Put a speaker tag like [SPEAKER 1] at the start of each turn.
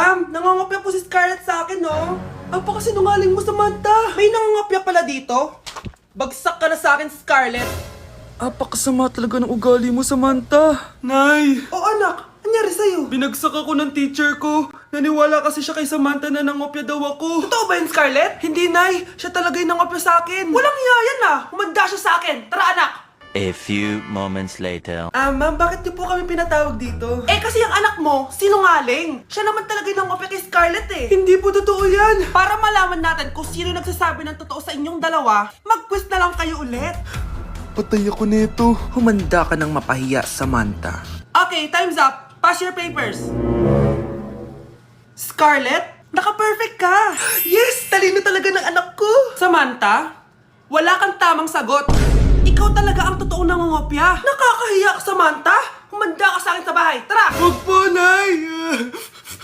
[SPEAKER 1] Ma'am, nangangopya po si Scarlett sa akin, no? Apakasinungaling mo, Samantha. May nangangopya pala dito? Bagsak ka na sa akin, Scarlett.
[SPEAKER 2] Apakasama talaga ng ugali mo, Samantha.
[SPEAKER 1] Nay! O anak, anyari sa'yo?
[SPEAKER 2] Binagsak ako ng teacher ko. Naniwala kasi siya kay Samantha na nangopya daw ako.
[SPEAKER 1] Totoo ba yun, Scarlett?
[SPEAKER 2] Hindi, Nay. Siya talaga yung nangopya sa akin.
[SPEAKER 1] Walang iya yan ah! Humanda siya sa akin! Tara, anak!
[SPEAKER 3] A few moments later.
[SPEAKER 2] Ma'am, bakit niyo po kami pinatawag dito?
[SPEAKER 1] Eh kasi ang anak mo, sinungaling. Siya naman talaga yung nangopya kay Scarlett eh.
[SPEAKER 2] Hindi po totoo yan.
[SPEAKER 1] Para malaman natin kung sino nagsasabi ng totoo sa inyong dalawa, mag-quiz na lang kayo ulit.
[SPEAKER 2] Patay ako nito. Humanda ka ng mapahiya, Samantha.
[SPEAKER 1] Okay, time's up. Pass your papers. Scarlett, naka-perfect ka.
[SPEAKER 2] Yes! Talino talaga ng anak ko.
[SPEAKER 1] Samantha, wala kang tamang sagot. Ikaw talaga ang totoong nangungopya. Nakakahiya ka, Samantha. Humanda ka sa akin sa bahay. Tara!
[SPEAKER 2] Huwag po, Nay.